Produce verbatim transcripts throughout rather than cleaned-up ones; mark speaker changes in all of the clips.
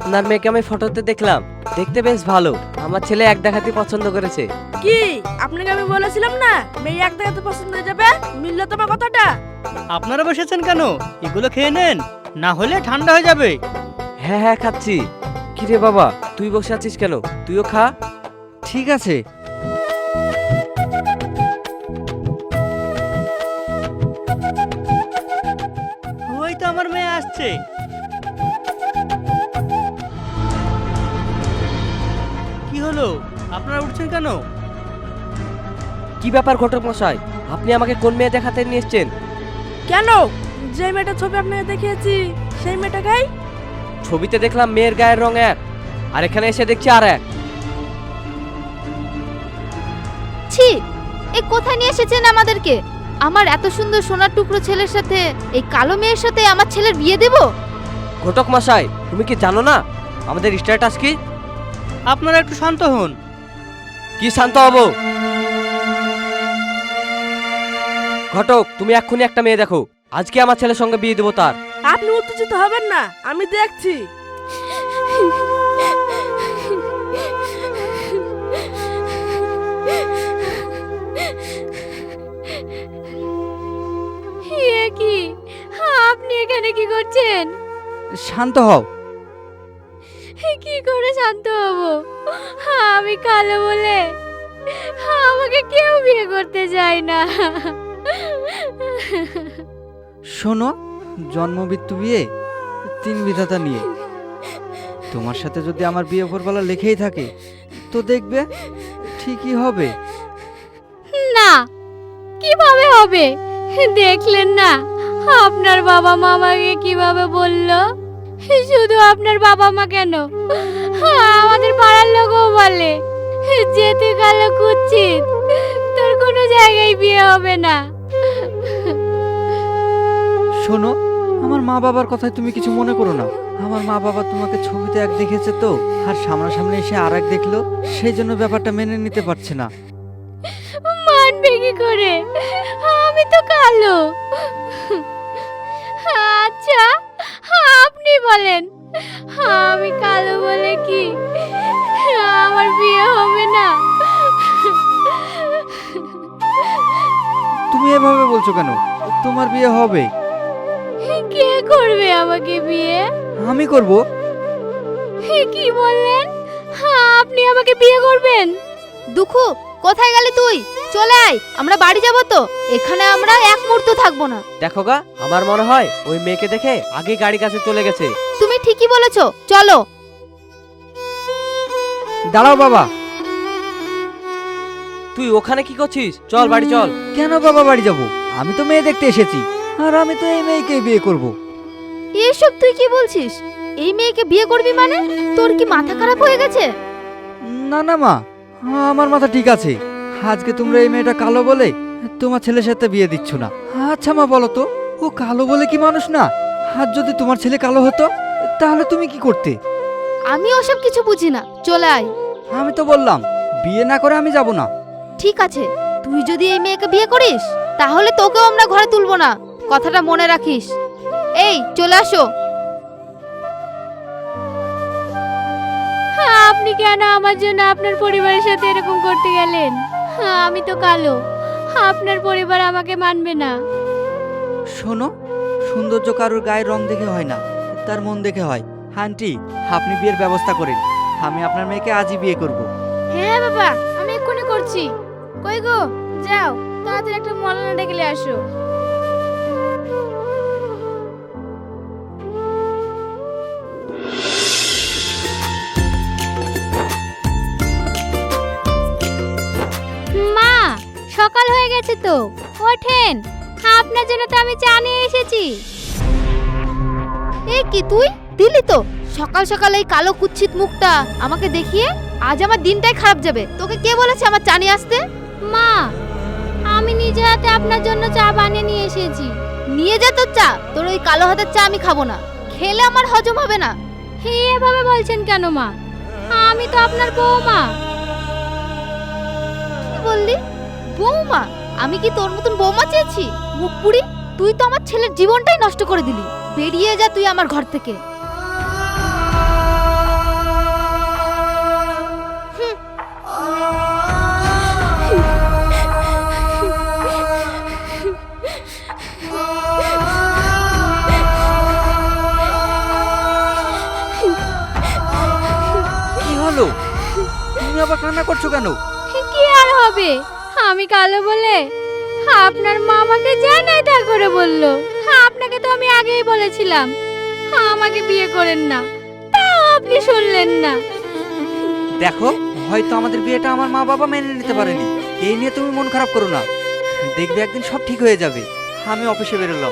Speaker 1: আপনার মেয়েকে আমি ফটোতে দেখলাম, দেখতে বেশ ভালো। আমার ছেলে এক দেখাতেই পছন্দ করেছে।
Speaker 2: কি আপনাকে আমি বলেছিলাম না মেয়ে এক দেখাতে পছন্দ হয়ে যাবে? মিললো তোমার কথাটা?
Speaker 3: আপনারা বসেছেন কেন? এগুলো খেয়ে নেন, না হলে ঠান্ডা হয়ে যাবে।
Speaker 1: হ্যাঁ হ্যাঁ খাচ্ছি। কি রে বাবা, তুই বসে আছিস কেন? তুইও খা।
Speaker 4: ঠিক আছে।
Speaker 3: ওই তো আমার মেয়ে আসছে। কি হলো, আপনারা উঠছেন কেন?
Speaker 1: কি ব্যাপার ঘটক মশাই, আপনি আমাকে কোন মেয়ে দেখাতে নিয়ে এসছেন?
Speaker 2: কেন, যে মেয়েটার ছবি আপনাকে দেখিয়েছি সেই মেয়েটাকেই।
Speaker 1: ছবিতে দেখলাম মেয়ের গায়ের রং এক, আর এখানে এসে দেখছি আর এক।
Speaker 5: ছি, এ কোথায় নিয়ে এসেছেন আমাদেরকে? আমার এত সুন্দর সোনার টুকরো ছেলের সাথে এই কালো মেয়ের সাথে আমার ছেলের বিয়ে দেব?
Speaker 1: ঘটক মশাই, তুমি কি জানো না আমাদের স্ট্যাটাস কি?
Speaker 3: আপনারা একটু শান্ত হন।
Speaker 1: কি শান্ত হব? ঘটক, তুমি এক্ষুনি একটা মেয়ে দেখো, আজকে আমার ছেলের সঙ্গে বিয়ে দেবো তার।
Speaker 2: আপনি উত্তেজিত হবেন না, আমি দেখছি।
Speaker 5: এ কি, আপনি এখানে কি করছেন?
Speaker 4: শান্ত হও।
Speaker 5: কি করে শান্ত হব? আমি কালো বলে আমাকে কেউ বিয়ে করতে চায় না।
Speaker 4: শোনো, জন্ম মৃত্যু বিয়ে তিন বিধাতা নিয়ে। তোমার সাথে যদি আমার বিয়ে উপরবেলা লেখেই থাকে তো দেখবে ঠিকই হবে।
Speaker 5: না, কিভাবে হবে? দেখলেন না আপনার বাবা মা আমাকে কিভাবে বলল? শুধু আপনার বাবা মা কেন, আমাদের পাড়ার লোকও বলে যে তুই কালো কুচ্ছিত, তোর কোনো জায়গায় বিয়ে হবে না।
Speaker 4: শোনো, আমার মা বাবার কথায় তুমি কিছু মনে করো না। আমার মা বাবা তোমাকে ছবিতে এক দেখেছে তো, আর সামনাসামনি এসে আর এক দেখলো, সেই জন্য ব্যাপারটা মেনে নিতে পারছে না।
Speaker 5: মানবে কি করে? আমি তো কালো। আচ্ছা, আপনি বলেন, আমি কালো বলে কি আমার বিয়ে হবে না?
Speaker 4: তুমি এভাবে বলছো কেন? তোমার বিয়ে হবে।
Speaker 5: কে করবে আমাকে বিয়ে?
Speaker 4: আমি করব।
Speaker 5: কি বললেন? আপনি আমাকে বিয়ে করবেন? দুঃখু, কোথায় গেলি তুই? চলে আয়, আমরা বাড়ি যাব তো। এখানে আমরা এক মুহূর্ত থাকবো না।
Speaker 1: দেখো গা, আমার মনে হয় ওই মেয়েকে দেখে আগে গাড়ি কাছে চলে গেছে।
Speaker 5: তুমি ঠিকই বলেছো, চলো।
Speaker 4: দাঁড়াও বাবা।
Speaker 1: তুই ওখানে কি করছিস? চল বাড়ি চল।
Speaker 4: কেন বাবা বাড়ি যাব? আমি তো মেয়ে দেখতে এসেছি, আর আমি তো এই মেয়েকে বিয়ে করব।
Speaker 5: এসব তুই কি বলছিস? এই মেয়েকে বিয়ে করবি মানে? তোর কি মাথা খারাপ হয়ে গেছে?
Speaker 4: না না মা, আমার মাথা ঠিক আছে। আজকে তোমরা এই মেয়েটা কালো বলে তোমার ছেলের সাথে বিয়ে দিচ্ছ না। আচ্ছা মা, বলো তো, ও কালো বলে কি মানুষ না? আর যদি তোমার ছেলে কালো হতো তাহলে তুমি কি করতে?
Speaker 5: আমি ওসব কিছু বুঝি না, চলে আয়।
Speaker 4: আমি তো বললাম বিয়ে না করে আমি যাব না।
Speaker 5: ঠিক আছে, তুই যদি এই মেয়েকে বিয়ে করিস তাহলে তোকেও আমরা ঘরে তুলবো না, কথাটা মনে রাখিস। এই চলে আসো। আপনি কেন আমার জন্য আপনার পরিবারের সাথে এরকম করতে গেলেন? আমি তো কালো, আপনার পরিবার আমাকে মানবে না।
Speaker 4: শোনো, সৌন্দর্য কারোর গায়ের রং দেখে হয় না, তার মন দেখে হয়। আন্টি, আপনি বিয়ের ব্যবস্থা করেন, আমি আপনার মেয়েকে আজই বিয়ে করব।
Speaker 5: হ্যাঁ বাবা, আমি এক্ষুনি করছি। কই গো, যাও তাড়াতাড়ি একটা মলানা ডেকে আসো। মা, সকাল হয়ে গেছে তো, ওঠেন। আপনার জন্য তো আমি চা নিয়ে এসেছি। এ কি তুই দিলি তো সকাল সকাল এই কালো কুচ্ছিত মুখটা আমাকে দেখিয়ে? আজ আমার দিনটাই খারাপ যাবে। তোকে কে বলেছে আমার চা নিয়ে আসতে? মা, আমি নিজে হাতে আপনার জন্য চা বানিয়ে নিয়ে এসেছি। নিয়ে যা তোর চা, তোর ওই কালো হাতের চা আমি খাবো না, খেলে আমার হজম হবে না। হে, এভাবে বলছেন কেন মা? আমি তো আপনার বউমা। কি বললি? বউমা? আমি কি তোর মতন বউমা চেয়েছি? মুখ পুরি, তুই তো আমার ছেলের জীবনটাই নষ্ট করে দিলি। বেরিয়ে যা তুই আমার ঘর থেকে।
Speaker 4: কেন?
Speaker 5: কি আর হবে, আমি কালো বলে আপনার মামাকে জানাই তা করে বললো। আপনাকে তো আমি আগেই বলেছিলাম আমাকে বিয়ে করেন না, তাও আপনি শুনলেন না।
Speaker 4: দেখো, হয়তো আমাদের বিয়েটা আমার মা বাবা মেনে নিতে পারেনি, এই নিয়ে তুমি মন খারাপ করো না। দেখবে একদিন সব ঠিক হয়ে যাবে। আমি অফিসে বেরোলাম।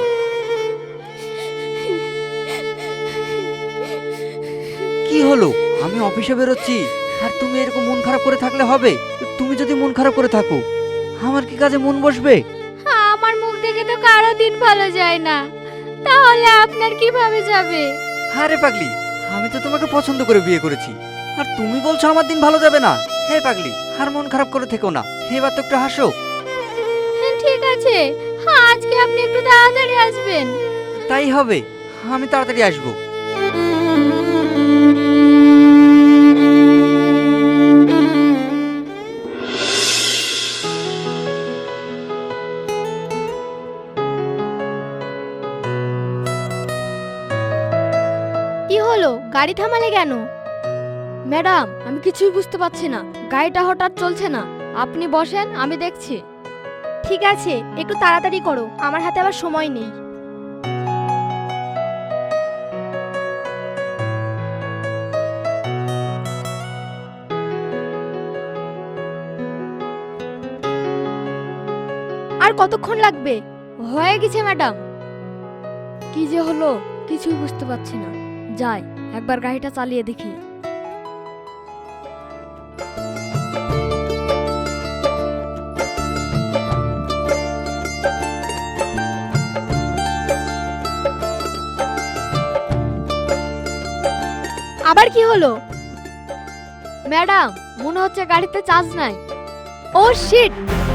Speaker 4: কি হলো? আমি অফিসে বেরোচ্ছি আর তুমি এরকম মন খারাপ করে থাকলে হবে? তুমি যদি মন খারাপ করে থাকো, আমার কি কাজে মন বসবে?
Speaker 5: আমার মুখ দেখে তো কারো দিন ভালো যায় না, তাহলে আপনার কিভাবে যাবে?
Speaker 4: আরে পাগলি, আমি তো তোমাকে পছন্দ করে বিয়ে করেছি, আর তুমি বলছো আমার দিন ভালো যাবে না? হে পাগলি, আর মন খারাপ করে থেকো না, এবার তো একটু হাসো।
Speaker 5: ঠিক আছে, আজকে আপনি একটু তাড়াতাড়ি আসবেন।
Speaker 4: তাই হবে, আমি তাড়াতাড়ি আসবো।
Speaker 5: কি হলো, গাড়ি থামালে কেন? ম্যাডাম, আমি কিছুই বুঝতে পারছি না, গাড়িটা হঠাৎ চলছে না। আপনি বসেন, আমি দেখছি। ঠিক আছে, একটু তাড়াতাড়ি করো, আমার হাতে আবার সময় নেই। আর কতক্ষণ লাগবে? হয়ে গেছে ম্যাডাম। কি যে হলো কিছুই বুঝতে পারছি না, যাই একবার গাড়িটা চালিয়ে দেখি। আবার কি হলো? ম্যাডাম, মনে হচ্ছে গাড়িতে চার্জ নাই। ও শিট!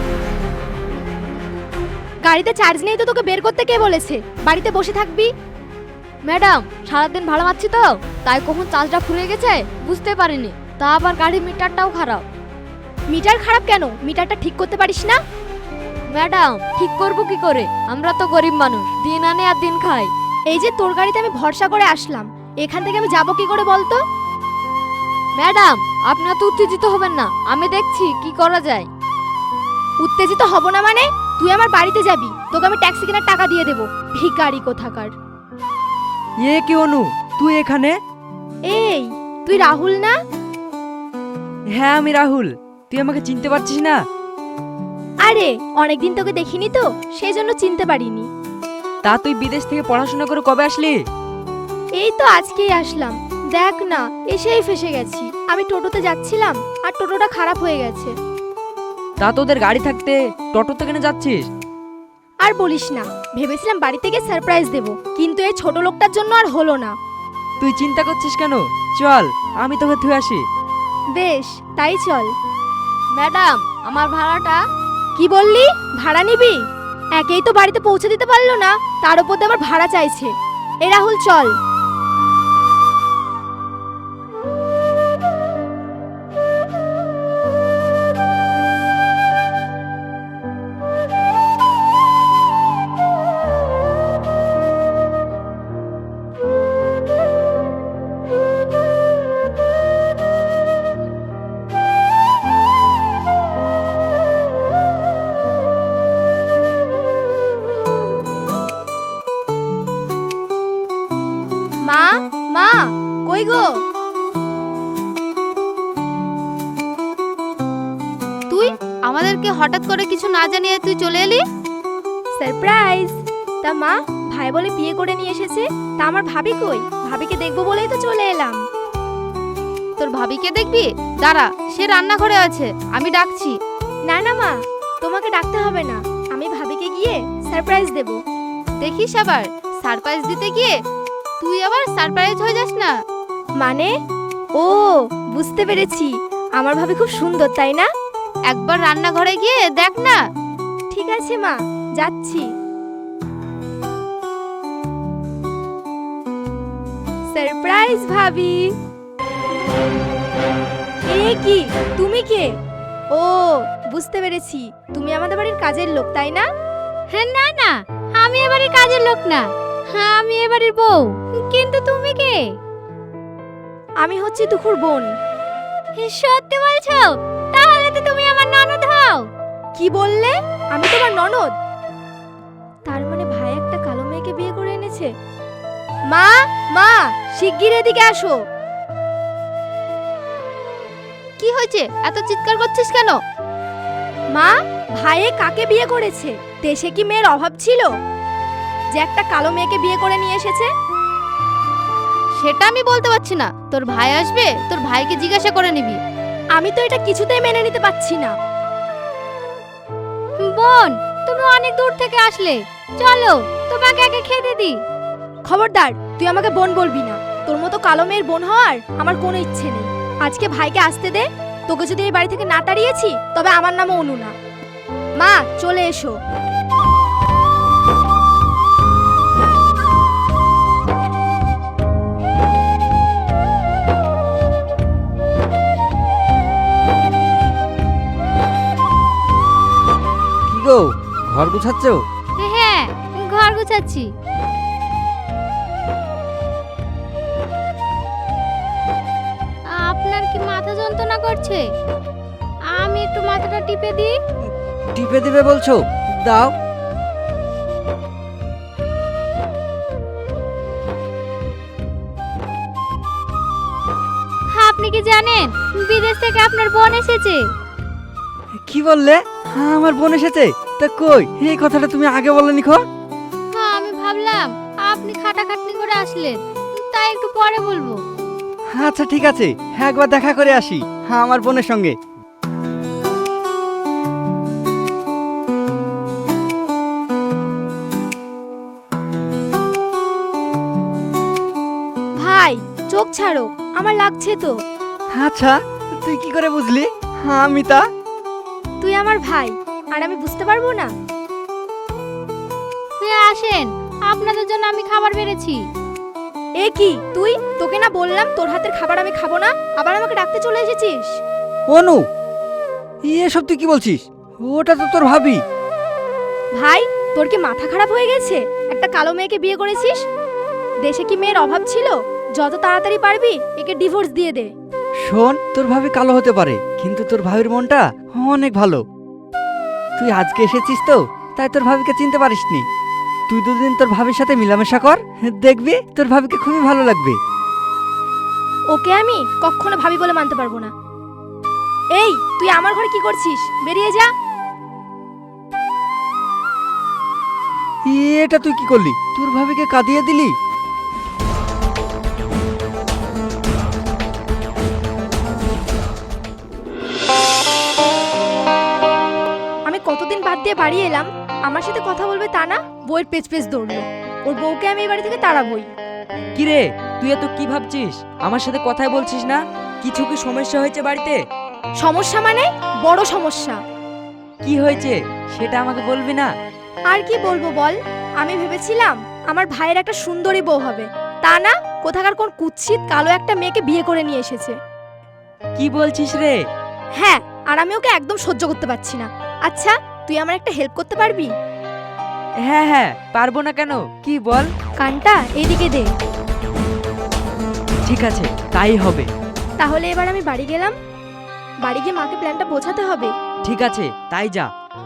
Speaker 5: গাড়িতে চার্জ নেই তো তোকে বের করতে কে বলেছে? বাড়িতে বসে থাকবি। ম্যাডাম, সারাদিন ভাড়া মারছি তো, তাই কখন চার্জটা ফুরিয়ে গেছে বুঝতে পারিনি। তা আবার গাড়ির মিটারটাও খারাপ। মিটার খারাপ কেন? মিটারটা ঠিক করতে পারিস না? ম্যাডাম, ঠিক করব কি করে? আমরা তো গরিব মানুষ, দিন আনে আর দিন খাই। এই যে তোর গাড়িতে আমি ভরসা করে আসলাম, এখান থেকে আমি যাব কি করে বলতো? ম্যাডাম, আপনি তো উত্তেজিত হবেন না, আমি দেখছি কি করা যায়। উত্তেজিত হব না মানে? তুই আমার বাড়িতে যাবি, তোকে আমি ট্যাক্সি কেনার টাকা দিয়ে দেবো। ভিখারি কোথাকার।
Speaker 1: এ কি অনু, তুই এখানে?
Speaker 5: এই, তুই রাহুল না?
Speaker 1: হ্যাঁ আমি রাহুল। তুই আমাকে চিনতে পারছিস না?
Speaker 5: আরে, অনেকদিন তোকে দেখিনি তো, সেই জন্য চিনতে পারিনি।
Speaker 1: তা তুই বিদেশ থেকে পড়াশোনা করে কবে আসলি?
Speaker 5: এই তো আজকেই আসলাম। দেখ না, এসেই ফেসে গেছি। আমি টোটোতে যাচ্ছিলাম আর টোটোটা খারাপ হয়ে গেছে।
Speaker 1: তা তোদের গাড়ি থাকতে টোটোতে কেন যাচ্ছিস?
Speaker 5: আর বলিস না, ভেবেছিলাম বাড়ি থেকে সারপ্রাইজ দেব, কিন্তু এই ছোট লোকটার জন্য আর হলো না।
Speaker 1: তুই চিন্তা করছিস কেন? চল, আমি তোকে থুয়ে আসি।
Speaker 5: বেশ, তাই চল। ম্যাডাম, আমার ভাড়াটা। কি বললি? ভাড়া নিবি? একেই তো বাড়িতে পৌঁছে দিতে পারলো না, তার উপর দিয়ে আবার ভাড়া চাইছে। এ রাহুল, চল। মা, মা, কই গো? তুই আমাদেরকে হঠাৎ করে কিছু না জানিয়ে তুই চলে এলি? সারপ্রাইজ। তা মা, ভাই বলে বিয়ে করে নিয়ে এসেছে, তা আমার ভাবি কই? ভাবিকে দেখবো বলেই তো চলে এলাম। তোর ভাবিকে দেখবি? দাঁড়া, সে রান্নাঘরে আছে, আমি ডাকছি। না না মা, তোমাকে ডাকতে হবে না, আমি ভাবিকে গিয়ে সারপ্রাইজ দেব। দেখিস আবার সারপ্রাইজ দিতে গিয়ে তুই আবার সারপ্রাইজ হয়ে যাস না। মানে? ও, বুঝতে পেরেছি, আমার ভাবি খুব সুন্দর, তাই না? একবার রান্নাঘরে গিয়ে দেখ না। ঠিক আছে মা, যাচ্ছি। সারপ্রাইজ ভাবি। এ কি, তুমি কে? ও, বুঝতে পেরেছি, তুমি আমাদের বাড়ির কাজের লোক, তাই না? হ্যাঁ, না না, আমি এ বাড়ির কাজের লোক না, হ্যাঁ আমি এ বাড়ির বউ। কিন্তু তুমি কে? আমি হচ্ছি তুখুর বোন। সত্যি বলছো? তাহলে
Speaker 2: কি বললে? আমি তোমার ননদ? তার মানে ভাই একটা কালো মেয়েকে বিয়ে করে এনেছে। মা, মা, শিগগির এদিকে আসো।
Speaker 5: কি হয়েছে, এত চিৎকার করছিস কেন?
Speaker 2: মা, ভাইয়ে কাকে বিয়ে করেছে? দেশে কি মেয়ের অভাব ছিল যে একটা কালো মেয়েকে বিয়ে করে নিয়ে এসেছে?
Speaker 5: সেটা আমি বলতে পারছি না, তোর ভাই আসবে, তোর ভাইকে জিজ্ঞাসা করে নিবি।
Speaker 2: আমি তো এটা কিছুতেই মেনে নিতে পারছি না।
Speaker 5: বোন, তুমি অনেক দূর থেকে আসলে, চলো তোমাকে আগে খেতে দি।
Speaker 2: খবরদার, তুই আমাকে বোন বলবি না। তোর মতো কালো মেয়ের বোন হওয়ার আমার কোনো ইচ্ছে নেই। আজকে ভাইকে আসতে দে। তোকে যদি এই বাড়ি থেকে না তাড়িয়েছি তবে আমার নামও অনু না। মা, চলে এসো।
Speaker 4: কি গো, ঘর গুছাচ্ছ?
Speaker 5: হ্যাঁ, ঘর গুছাচ্ছি। আপনার কি মাথা যন্ত্রণা করছে? আমি একটু মাথাটা টিপে দিই।
Speaker 4: টিপে দিবে বলছো? দাও।
Speaker 5: আপনি কি জানেন বিদেশ থেকে আপনার বোন এসেছে?
Speaker 4: কি বললে? হ্যাঁ, আমার বোন এসেছে? তা কই, এই কথাটা তুমি আগে বলনি খো?
Speaker 5: হ্যাঁ, আমি ভাবলাম আপনি খাটাখাটনি করে আসলেন, তাই একটু পরে বলবো।
Speaker 4: আচ্ছা ঠিক আছে, হ্যাঁ একবার দেখা করে আসি হ্যাঁ আমার বোনের সঙ্গে।
Speaker 2: ভাই, চোখ ছাড়ো, আমার লাগছে তো।
Speaker 4: আচ্ছা, তুই কি করে বুঝলি হ্যাঁ আমি তা?
Speaker 2: তুই আমার ভাই, আর আমি বুঝতে পারবো না?
Speaker 5: আসেন, আপনাদের জন্য আমি খাবার বেড়েছি।
Speaker 2: এ কি তুই? তোকে না বললাম তোর হাতের খাবার আমি খাবো না, আবার আমাকে ডাকতে চলে এসেছিস?
Speaker 4: অনু, এসব তুই কি বলছিস? ওটা তো তোর ভাবি।
Speaker 2: ভাই, তোর কি মাথা খারাপ হয়ে গেছে? একটা কালো মেয়েকে বিয়ে করেছিস। দেশে কি মেয়ের অভাব ছিল? যত তাড়াতাড়ি পারবি একে ডিভোর্স দিয়ে দে।
Speaker 4: শোন, তোর ভাবি কালো হতে পারে, কিন্তু তোর ভাবির মনটা অনেক ভালো। তুই আজকে এসেছিস তো, তাই তোর ভাবিকে চিনতে পারিসনি। তুই দুদিন তোর ভাবির সাথে মিলামেশা কর, দেখবি তোর ভাবিকে খুবই ভালো লাগবে।
Speaker 2: ওকে আমি কখনো ভাবি বলে মানতে পারবো না। এই, তুই আমার ঘরে কি করছিস? বেরিয়ে যা।
Speaker 4: এটা তুই কি করলি? তোর ভাবিকে কাঁদিয়ে দিলি।
Speaker 2: আমি কতদিন বাদ দিয়ে বাড়ি এলাম, আমার সাথে কথা বলবে তা না, বইয়ের পেজ পেজ দৌড়লো। ওর বউকে আমি এই বাড়ি থেকে তাড়াবই।
Speaker 1: কি রে, তুই এত কি ভাবছিস? আমার সাথে কথাই বলছিস না? কিছু কি সমস্যা হয়েছে বাড়িতে?
Speaker 2: সমস্যা মানে বড় সমস্যা।
Speaker 1: কি হয়েছে সেটা আমাকে বলবি না?
Speaker 2: আর কি বলবো বল? আমি ভেবেছিলাম আমার ভাইয়ের একটা সুন্দরী বউ হবে, তা না, কোথাকার কোন কুৎসিত কালো একটা মেয়েকে বিয়ে করে নিয়ে এসেছে।
Speaker 1: কি বলছিস রে?
Speaker 2: হ্যাঁ, আর আমি ওকে একদম সহ্য করতে পারছি না। আচ্ছা, তুই আমার একটা হেল্প করতে পারবি?
Speaker 1: হ্যাঁ হ্যাঁ, পারবো না কেন, কি বল।
Speaker 2: কানটা এদিকে দে।
Speaker 1: ঠিক আছে, তাই হবে।
Speaker 2: তাহলে এবার আমি বাড়ি গেলাম। বাড়ি গিয়ে মাকে প্ল্যানটা বোঝাতে হবে।
Speaker 1: ঠিক আছে, তাই যা।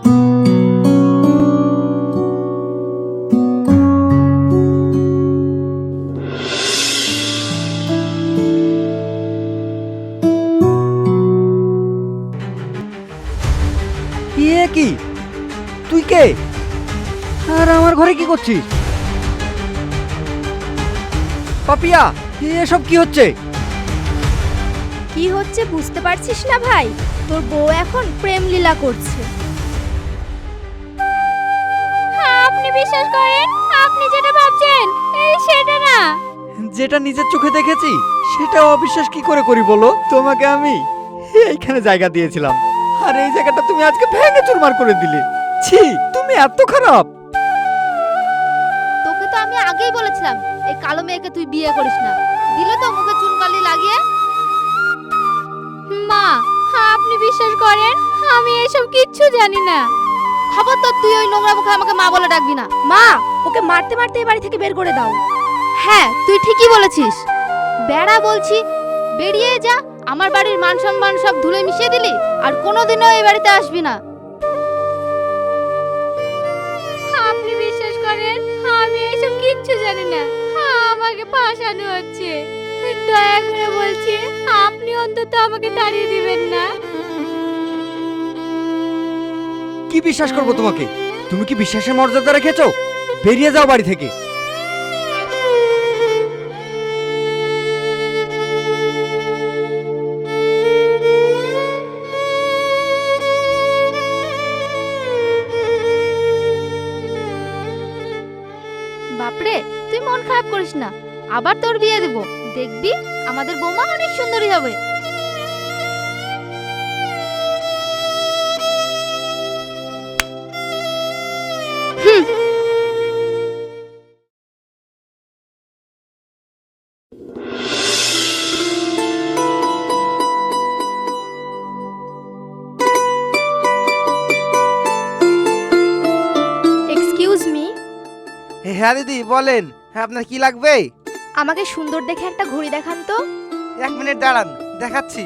Speaker 4: এ কি, তুই কে? আর আমার ঘরে কি করছিস? পাপিয়া, এসব কি হচ্ছে?
Speaker 2: কি হচ্ছে বুঝতে পারছিস না ভাই? তোর বউ এখন প্রেম লীলা করছে।
Speaker 5: আপনি বিশ্বাস করেন, আপনি যেটা ভাবছেন এই সেটা না।
Speaker 4: যেটা নিজের চোখে দেখেছি সেটা অবিশ্বাস কি করে করি বলো? তোমাকে আমি এইখানে জায়গা দিয়েছিলাম, আর এই জায়গাটা তুমি আজকে ভেঙে চুরমার করে দিলে। ছি, তুমি এত খারাপ।
Speaker 5: তোকে তো আমি আগেই বলেছিলাম এই কালো মেয়েকে তুই বিয়ে করিস না, দিলে তো মুখে চুনকালি লাগিয়ে। মা, আপনি বিশ্বাস করেন আমি এসব কিচ্ছু জানি না। খবর তো, তুই ওই নোংরা মুখে আমাকে মা বলে ডাকবি না।
Speaker 2: মা, ওকে মারতে মারতে এই বাড়ি থেকে বের করে দাও।
Speaker 5: হ্যাঁ, তুই ঠিকই বলেছিস। বেড়া বলছি, বেরিয়ে যা। আমার বাড়ির মান সম্মান সব ধুলে মিশিয়ে দিলি, আর কোনোদিনও এই বাড়িতে আসবি না। কিচ্ছু জানি না, আমাকে ফাঁসানো হচ্ছে। দয়া করে বলছি, আপনি অন্তত আমাকে তাড়িয়ে দিবেন না।
Speaker 4: কি বিশ্বাস করবো তোমাকে? তুমি কি বিশ্বাসের মর্যাদা রেখেছো? বেরিয়ে যাও বাড়ি থেকে।
Speaker 5: বাপরে, তুই মন খারাপ করিস না, আবার তোর বিয়ে দেব, দেখবি আমাদের বৌমা অনেক সুন্দরী হবে।
Speaker 2: এক্সকিউজ মি,
Speaker 6: হ্যাঁ দিদি বলেন, হ্যাঁ আপনার কি লাগবে?
Speaker 2: আমাকে সুন্দর দেখে একটা ঘড়ি দেখান তো।
Speaker 6: এক মিনিট দাঁড়ান, দেখাচ্ছি।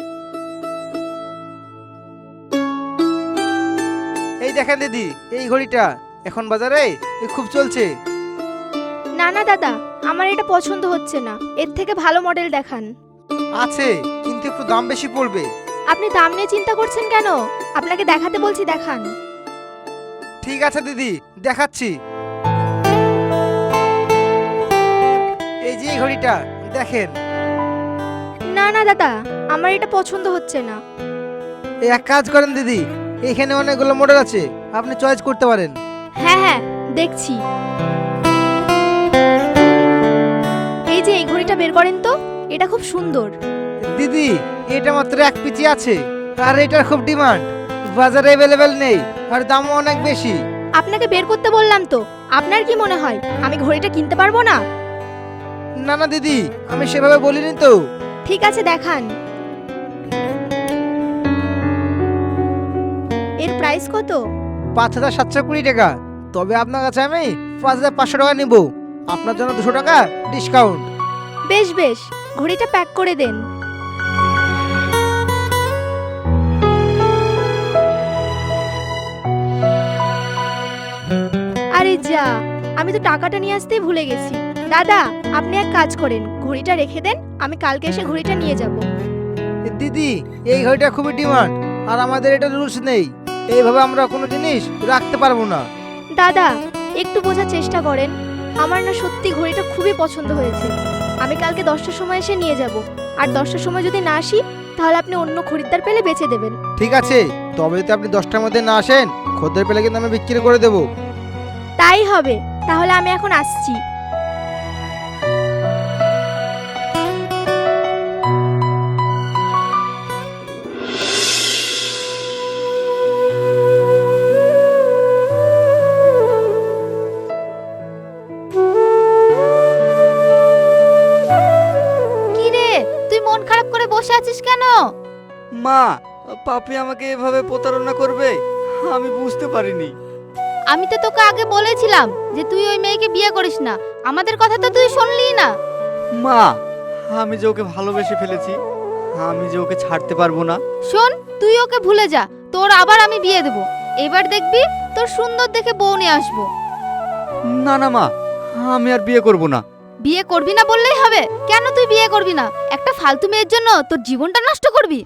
Speaker 6: এই দেখেন দিদি, এই ঘড়িটা এখন বাজারে এই খুব চলছে।
Speaker 2: না না দাদা, আমার এটা পছন্দ হচ্ছে না, এর থেকে ভালো মডেল দেখান।
Speaker 6: আছে, কিন্তু একটু দাম বেশি পড়বে।
Speaker 2: আপনি দাম নিয়ে চিন্তা করছেন কেন? আপনাকে দেখাতে বলছি, দেখান।
Speaker 6: ঠিক আছে দিদি, দেখাচ্ছি। এই যে এই ঘড়িটা দেখেন।
Speaker 2: না না দাদা, আমার এটা পছন্দ হচ্ছে না।
Speaker 6: এই এক কাজ করেন দিদি, এখানে অনেকগুলো মডেল আছে, আপনি চয়েস করতে পারেন।
Speaker 2: হ্যাঁ হ্যাঁ, দেখছি। এই যে এই ঘড়িটা বের করেন তো, এটা খুব সুন্দর।
Speaker 6: দিদি এটা মাত্র এক পিচি আছে, আর এটার খুব ডিমান্ড, বাজারে অ্যাভেলেবেল নেই, আর দামও অনেক বেশি।
Speaker 2: আপনাকে বের করতে বললাম তো, আপনার কি মনে হয় আমি ঘড়িটা কিনতে পারবো না?
Speaker 6: না না দিদি, আমি সেভাবে বলিনি তো।
Speaker 2: ঠিক আছে, দেখান। এর প্রাইস কত?
Speaker 6: পাঁচ হাজার সাতশো কুড়ি টাকা। তবে আপনার কাছে আমি পাঁচ হাজার পাঁচশো টাকা নিব, আপনার জন্য দুশো টাকা ডিসকাউন্ট।
Speaker 2: বেশ বেশ, ঘড়িটা প্যাক করে দেন। আরে যা, আমি তো টাকাটা নিয়ে আসতেই ভুলে গেছি। দাদা, আপনি এক কাজ করেন, ঘড়িটা রেখে দেন, আমি কালকে এসে ঘড়িটা নিয়ে যাব।
Speaker 6: দিদি এই ঘড়িটা খুবই ডিমান্ড, আর আমাদের এটা রুলস নেই, এইভাবে আমরা কোনো জিনিস রাখতে পারবো না।
Speaker 2: দাদা, একটু বোঝার চেষ্টা করেন, আমার না সত্যি ঘড়িটা খুবই পছন্দ হয়েছে। আমি কালকে দশটার সময় এসে নিয়ে যাব, আর দশটার সময় যদি না আসি তাহলে আপনি অন্য খরিদ্দার পেলে বেচে দেবেন।
Speaker 6: ঠিক আছে, তবে যদি আপনি দশটার মধ্যে না আসেন, খদ্দের পেলে কিন্তু আমি বিক্রি করে দেবো।
Speaker 2: তাই হবে, তাহলে আমি এখন আসছি।
Speaker 5: কি রে, তুই মন খারাপ করে বসে আছিস কেন?
Speaker 4: মা, পাপি আমাকে এভাবে প্রতারণা করবে আমি বুঝতে পারিনি।
Speaker 5: আমি তো তোকে আগে বলেছিলাম যে তুই ওই মেয়েকে বিয়ে করিস না, আমাদের কথা তো তুই শুনলি না।
Speaker 4: মা, আমি যে ওকে ভালোবেসে ফেলেছি, আমি যে ওকে ছাড়তে পারবো না।
Speaker 5: শোন, তুই ওকে ভুলে যা, তোর আবার আমি বিয়ে দেব। এবার দেখবি তোর সুন্দর দেখে বউ নিয়ে আসবো।
Speaker 4: না না মা, আমি আর বিয়ে করব না।
Speaker 5: বিয়ে করবি না বললেই হবে? কেন তুই বিয়ে করবি না? একটা ফালতু মেয়ের জন্য তোর জীবনটা নষ্ট করবি?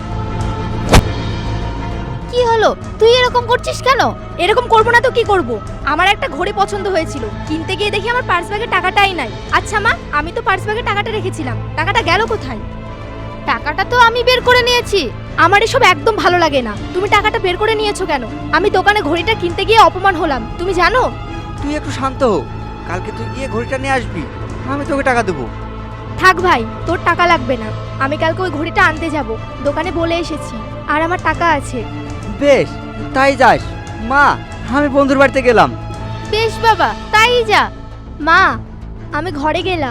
Speaker 5: কি হলো, তুই এরকম করছিস কেন?
Speaker 2: এরকম করবো না তো কি করব? আমার একটা ঘড়ি পছন্দ হয়েছিল, কিনতে গিয়ে দেখি আমার পার্স ব্যাগে টাকাটাই নাই। আচ্ছা মা, আমি তো পার্স ব্যাগে টাকাটা রেখেছিলাম, টাকাটা গেল কোথায়?
Speaker 5: টাকাটা তো আমি বের করে নিয়েছি।
Speaker 2: আমার এসব একদম ভালো লাগে না, তুমি টাকাটা বের করে নিয়েছো কেন? আমি দোকানে ঘড়িটা কিনতে গিয়ে অপমান হলাম, তুমি জানো?
Speaker 4: তুই একটু শান্ত হো, কালকে তুই গিয়ে ঘড়িটা নিয়ে আসবি, আমি তোকে টাকা দেবো।
Speaker 2: থাক ভাই, তোর টাকা লাগবে না, আমি কালকে ওই ঘড়িটা আনতে যাব, দোকানে বলে এসেছি, আর আমার টাকা আছে।
Speaker 4: বেশ, তাই যাস। মা, আমি বন্ধুর বাড়িতে গেলাম।
Speaker 5: বেশ বাবা, তাই যা।
Speaker 2: মা, আমি ঘরে গেলাম।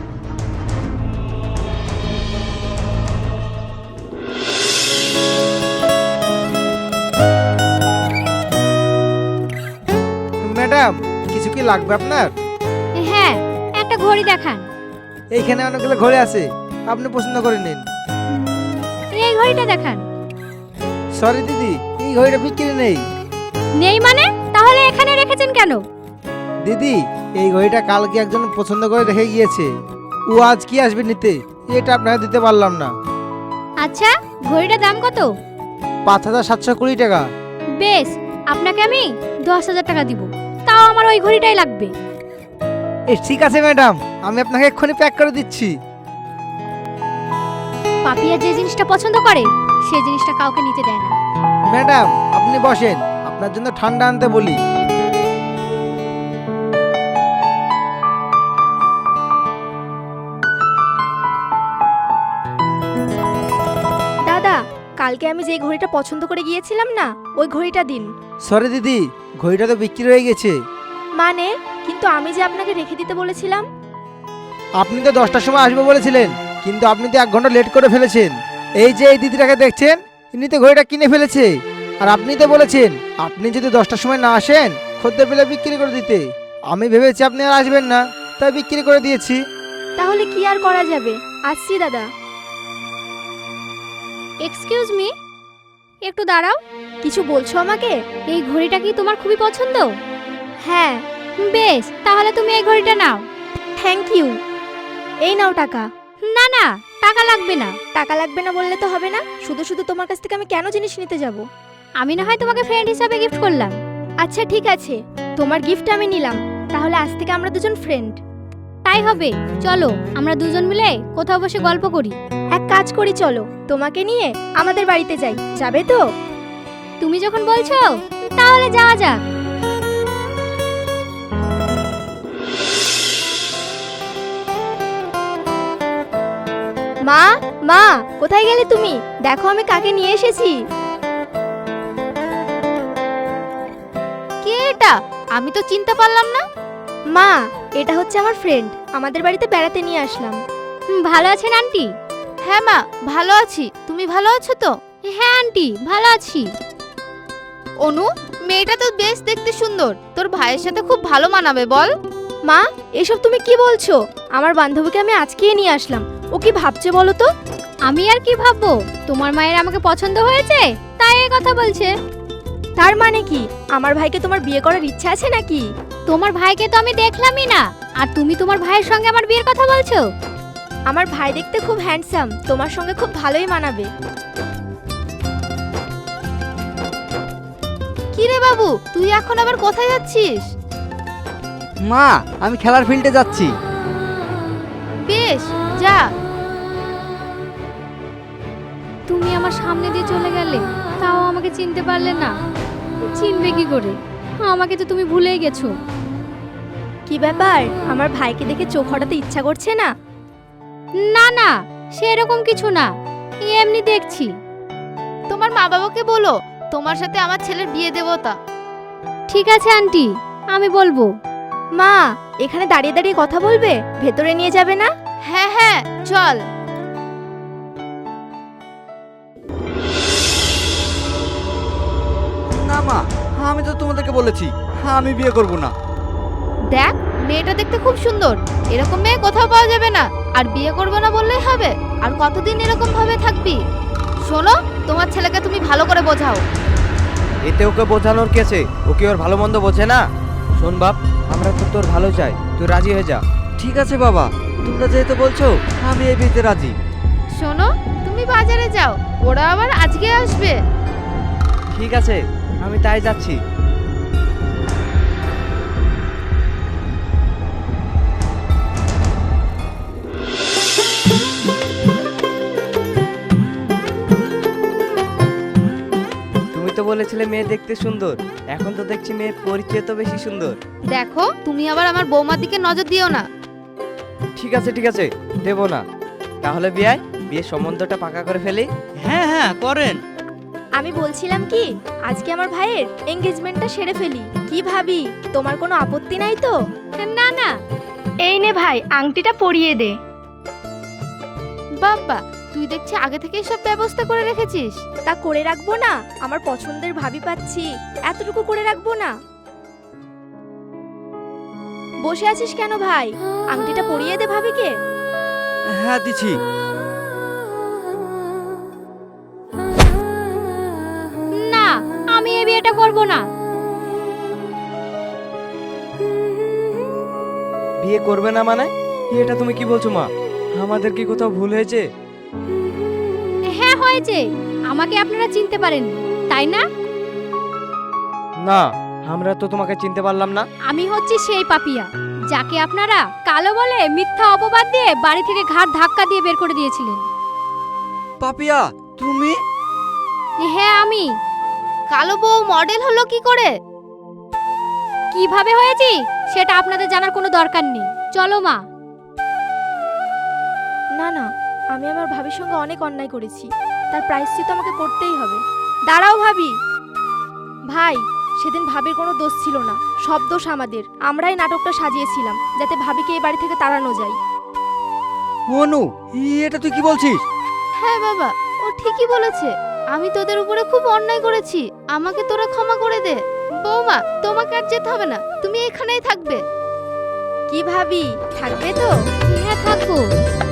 Speaker 6: ম্যাডাম, কিছু কি লাগবে আপনার?
Speaker 5: হ্যাঁ, একটা ঘড়ি দেখান।
Speaker 6: এইখানে অনেকগুলো ঘড়ি আছে, আপনি পছন্দ করে নিন।
Speaker 5: এই ঘড়িটা দেখান।
Speaker 6: সরি দিদি, এই ঘড়িটা বিক্রি নেই।
Speaker 5: নেই মানে? তাহলে এখানে রেখেছেন কেন?
Speaker 6: দিদি এই ঘড়িটা কালকে একজন পছন্দ করে রেখে গিয়েছে। ও আজ কি আসবে নিতে, এটা আপনাকে দিতে পারলাম না।
Speaker 5: আচ্ছা, ঘড়িটার দাম কত?
Speaker 6: পাঁচ হাজার সাতশো কুড়ি টাকা।
Speaker 5: বেশ, আপনাকে আমি দশ হাজার টাকা দিব, তাও আমার ওই ঘড়িটাই লাগবে।
Speaker 6: এ ঠিক আছে ম্যাডাম, আমি আপনাকে এক্ষুনি প্যাক করে দিচ্ছি।
Speaker 5: পাপিয়া যে জিনিসটা পছন্দ করে সেই জিনিসটা কাউকে নিতে দেয় না।
Speaker 6: ম্যাডাম আপনি বসেন, আপনার জন্য ঠান্ডা আনতে বলি।
Speaker 2: দাদা, কালকে আমি যে ঘড়িটা পছন্দ করে গিয়েছিলাম না, ওই ঘড়িটা দিন।
Speaker 6: সরি দিদি, ঘড়িটা তো বিক্রি হয়ে গেছে।
Speaker 2: মানে, কিন্তু আমি যে আপনাকে রেখে দিতে বলেছিলাম।
Speaker 6: আপনি তো দশটার সময় আসবে বলেছিলেন, কিন্তু আপনি তো এক ঘন্টা লেট করে ফেলেছেন। এই যে এই দিদিটাকে দেখছেন, ইনি তো ঘড়িটা কিনে ফেলেছে। আর আপনি তো বলেছেন আপনি যদি দশটার সময় না আসেন খদ্দের পেলে বিক্রি করে দিতে। আমি ভেবেছি আপনি আর আসবেন না, তাই বিক্রি করে দিয়েছি।
Speaker 2: তাহলে কি আর করা যাবে, আসছি দাদা।
Speaker 5: এক্সকিউজ মি, একটু দাঁড়াও।
Speaker 2: কিছু বলছো আমাকে?
Speaker 5: এই ঘড়িটা কি তোমার খুবই পছন্দ?
Speaker 2: হ্যাঁ।
Speaker 5: বেশ, তাহলে তুমি এই ঘড়িটা নাও।
Speaker 2: Thank you. এই নাও টাকা।
Speaker 5: না না, টাকা লাগবে না।
Speaker 2: টাকা লাগবে না বললে তো হবে না, শুধু শুধু তোমার কাছ থেকে আমি কেন জিনিস নিতে যাব?
Speaker 5: আমি না হয় তোমাকে ফ্রেন্ড হিসাবে গিফট করলাম।
Speaker 2: আচ্ছা ঠিক আছে, তোমার গিফট আমি নিলাম, তাহলে আজ থেকে আমরা দুজন ফ্রেন্ড।
Speaker 5: তাই হবে, চলো আমরা দুজন মিলে কোথাও বসে গল্প করি।
Speaker 2: এক কাজ করি, চলো তোমাকে নিয়ে আমাদের বাড়িতে যাই, যাবে তো?
Speaker 5: তুমি যখন বলছো তাহলে যাওয়া যাক।
Speaker 2: মা, মা কোথায় গেলে তুমি? দেখো আমি কাকে নিয়ে এসেছি।
Speaker 5: কে এটা? আমি তো চিনতে পারলাম না।
Speaker 2: মা, এটা হচ্ছে আমার ফ্রেন্ড, আমাদের বাড়িতে বেড়াতে নিয়ে আসলাম।
Speaker 5: হুম, ভালো আছেন আন্টি? হ্যাঁ মা, ভালো আছি। তুমি ভালো আছো তো? হ্যাঁ আন্টি, ভালো আছি। অনু, মেয়েটা তো বেশ দেখতে সুন্দর, তোর ভাইয়ের সাথে খুব ভালো মানাবে বল।
Speaker 2: মা, এসব তুমি কি বলছো? আমার বান্ধবীকে আমি আজকেই নিয়ে আসলাম, ও কি ভাবছে বলো তো?
Speaker 5: আমি আর কি ভাববো, তোমার মায়ের আমাকে পছন্দ হয়েছে তাই এই কথা বলছে।
Speaker 2: তার মানে কি আমার ভাইকে তোমার বিয়ে করার ইচ্ছা আছে নাকি?
Speaker 5: তোমার ভাইকে তো আমি দেখলামই না, আর তুমি তোমার ভাইয়ের সঙ্গে আমার বিয়ের কথা বলছো?
Speaker 2: আমার ভাই দেখতে খুব হ্যান্ডসাম, তোমার সঙ্গে খুব ভালোই মানাবে।
Speaker 5: কি রে বাবু, তুই এখন আবার কোথায় যাচ্ছিস?
Speaker 4: মা, আমি খেলার ফিল্ডে যাচ্ছি।
Speaker 5: বেশ, যা। তুমি আমার সামনে দিয়ে চলে গেলে, তাও আমাকে চিনতে পারলে না। চিনবে কি করে? আমাকে তো তুমি ভুলেই গেছো।
Speaker 2: কি ব্যাপার, আমার ভাইকে দেখে চোখ হটাতে ইচ্ছা করছে না?
Speaker 5: না না, সেরকম কিছু না, এমনি দেখছি। তোমার মা বাবাকে বলো তোমার সাথে আমার ছেলের বিয়ে দেবো তা। ঠিক আছে আন্টি, আমি বলবো।
Speaker 2: মা, এখানে দাঁড়িয়ে দাঁড়িয়ে কথা বলবে, ভেতরে নিয়ে যাবে না?
Speaker 5: হ্যাঁ হ্যাঁ, চল।
Speaker 4: না মা, আমি তো তোমাদেরকে বলেছি আমি বিয়ে করব না।
Speaker 5: দেখ, মেয়েটা দেখতে খুব সুন্দর, এরকম মেয়ে কোথাও পাওয়া যাবে না। আর বিয়ে করবে না বললেই হবে? আর কতদিন এরকম ভাবে থাকবি? শোনো, তোমার ছেলেকে তুমি ভালো করে বোঝাও।
Speaker 7: এতে ওকে বোঝানোর কেছে, ওকে ওর ভালো মন্দ বোঝে না। শোন বাপ, আমরা তো তোর ভালো চাই, তুই রাজি হয়ে যা।
Speaker 4: ঠিক আছে বাবা, তোমরা যেহেতু বলছো আমি এই বিয়েতে রাজি।
Speaker 5: শোনো, তুমি বাজারে যাও, ওরা আবার আজকে আসবে।
Speaker 7: ঠিক আছে, আমি তাই যাচ্ছি। তুমি তো বলেছিলে মেয়ে দেখতে সুন্দর, এখন তো দেখছি মেয়ে পরিচয় তো বেশি সুন্দর।
Speaker 5: দেখো, তুমি আবার আমার বৌমার দিকে নজর দিও না।
Speaker 7: ঠিক আছে ঠিক আছে, দেবো না। তাহলে বিয়ে বিয়ের সম্বন্ধটা পাকা করে ফেলি।
Speaker 3: হ্যাঁ হ্যাঁ করেন।
Speaker 2: আমি বলছিলাম কি, আজকে আমার ভাইয়ের এঙ্গেজমেন্টটা সেরে ফেলি, কি ভাবি? তোমার কোনো আপত্তি নাই তো?
Speaker 5: না না।
Speaker 2: এই নে ভাই, আংটিটা পরিয়ে দে।
Speaker 5: বাবা, তুই দেখছি আগে থেকেই সব ব্যবস্থা করে রেখেছিস।
Speaker 2: তা করে রাখবো না? আমার পছন্দের ভাবি পাচ্ছি, এতটুকু করে রাখবো না? বসে আছিস কেন ভাই, আংটিটা পরিয়ে দে ভাবিকে।
Speaker 4: হ্যাঁ দিছি।
Speaker 5: না, আমি এই বিয়েটা করব না।
Speaker 7: বিয়ে করবে না মানে? এটা তুমি কি বলছো মা? আমাদের কি কোথাও ভুল হয়েছে?
Speaker 5: হ্যাঁ হয়েছে, আমাকে আপনারা চিনতে পারেন তাই না?
Speaker 7: না, আমরা তো তোমাকে চিনতে পারলাম না।
Speaker 5: আমি হচ্ছি সেই পাপিয়া যাকে আপনারা কালো বলে মিথ্যা অপবাদ দিয়ে বাড়ি থেকে ঘাট ধাক্কা দিয়ে বের করে দিয়েছিলেন।
Speaker 4: পাপিয়া তুমি?
Speaker 5: হ্যাঁ আমি। কালো বউ মডেল হলো কি করে, কিভাবে হয়েছি সেটা আপনাদের জানার কোনো দরকার নেই। চলো মা।
Speaker 2: না না, আমি আমার ভাবির সঙ্গে অনেক অন্যায় করেছি, তার প্রায়শ্চিত্ত আমাকে করতেই হবে। দাঁড়াও ভাবি। ভাই, সেদিন ভাবির কোনো দোষ ছিল না, সব দোষ আমাদের। আমরাই নাটকটা সাজিয়েছিলাম যাতে ভাবিকে এই বাড়ি থেকে তাড়ানো যায়।
Speaker 4: অনু, এটা তুই কি বলছিস?
Speaker 5: হ্যাঁ বাবা, ও ঠিকই বলেছে। আমি তোদের উপরে খুব অন্যায় করেছি, আমাকে তোরা ক্ষমা করে দে। বৌমা, তোমাকে আর যেতে হবে না, তুমি এখানেই থাকবে।
Speaker 2: কি ভাবি, থাকবে তো?
Speaker 5: হ্যাঁ থাকবো।